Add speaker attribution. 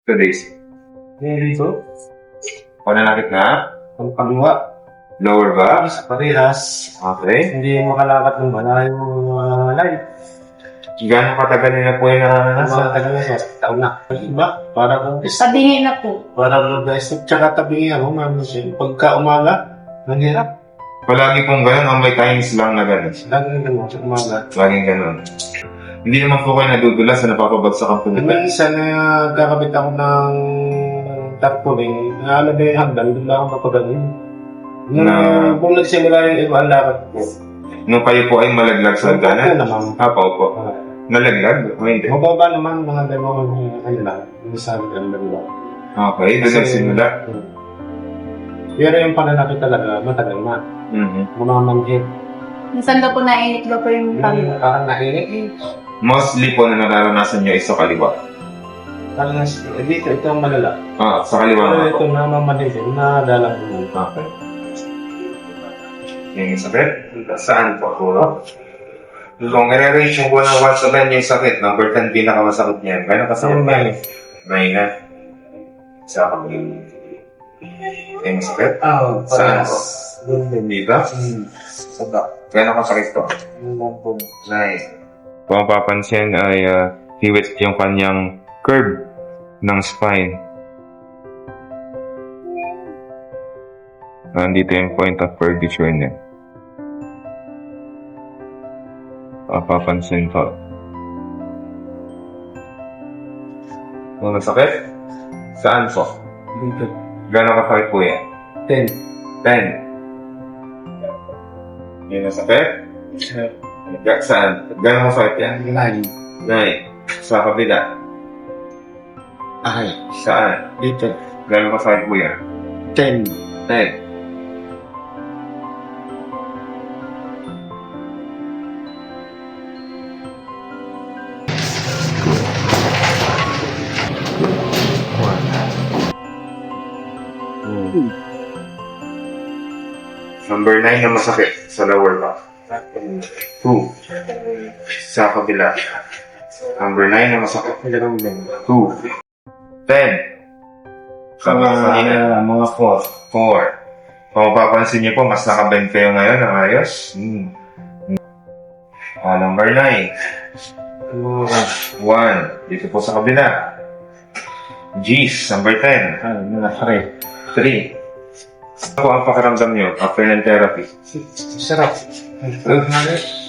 Speaker 1: 2 days.
Speaker 2: Dito.
Speaker 1: Pananakit na?
Speaker 2: Ang kaliwa.
Speaker 1: Lower back?
Speaker 2: Parehas.
Speaker 1: Okay.
Speaker 2: Hindi makalakad ng malayo life.
Speaker 1: Gano'ng katagal nila po yung naranasan?
Speaker 2: Matagal na siya. Taon na. Iba? Parang
Speaker 3: Sabihin na po.
Speaker 2: parang nag-step. Tsaka tabi ako, ma'am. Pagka umaga, nanghirap.
Speaker 1: Palagi pong gano'n o may times lang na gano'n?
Speaker 2: Laging ganun sa umaga.
Speaker 1: Laging gano'n. Hindi naman po kayo nadudulas na napapabagsak ang pumitan.
Speaker 2: Minsan na kakabit ako ng tarpaulin, naalagay yung hagdan, doon lang ako mapagaling. Kung nagsimula yung iba, ang lakad ko.
Speaker 1: Nung kayo po ay malaglag sa
Speaker 2: Opo
Speaker 1: hagdanan?
Speaker 2: naman.
Speaker 1: Opo. Nalaglag? O hindi?
Speaker 2: Mababa naman mga dalawang kanila. Minsan ang dalawa.
Speaker 1: Okay, doon nagsimula.
Speaker 2: Pero yung pananakit talaga, matagal na. Mumamanhit.
Speaker 3: Minsan daw po nainit daw po yung kami.
Speaker 2: Parang nainit.
Speaker 1: Mostly po na nararanasan nyo is sa kaliwa.
Speaker 2: Parang dito, ito ang malala.
Speaker 1: Sa kaliwa
Speaker 2: Pero
Speaker 1: nga po.
Speaker 2: ito namamanhit, nadalang ko.
Speaker 1: Okay. Yung sakit? Saan po? Kung i-range yung po ng 1 to 10 yung sakit, number 10 pinakamasakit niya. Gano'n kasakit niya? May na. Sa kami. Yung sakit? Saan po? Dito?
Speaker 2: Sada.
Speaker 1: Gano'n kasakit po? Nice. Kung mapapansin ay hiwit yung kanyang curve ng spine. Nandito yung point of curvature niya. Mapapansin ko. Masakit? Saan po?
Speaker 2: Dito.
Speaker 1: Gano'n kasakit po yan?
Speaker 2: 10.
Speaker 1: 10. Yung masakit? Saan? Gano'n masakit yan?
Speaker 2: 9.
Speaker 1: 9. Sa kabila.
Speaker 2: Ay.
Speaker 1: Saan?
Speaker 2: Dito.
Speaker 1: Gano'n masakit po yan?
Speaker 2: 10.
Speaker 1: 10. Number 9 na masakit sa lower back. 2. Sa kabila. Number 9 na masakit. 2. 10. Sa kanina.
Speaker 2: Mga 4.
Speaker 1: 4. Kung mapapansin niyo po, mas nakabend kayo ngayon ng ayos. Number 9. 1. Dito po sa kabila. G's. Number 10.
Speaker 2: Mga
Speaker 1: 3. Ano po ang pakiramdam niyo after ng therapy?
Speaker 2: Sarap.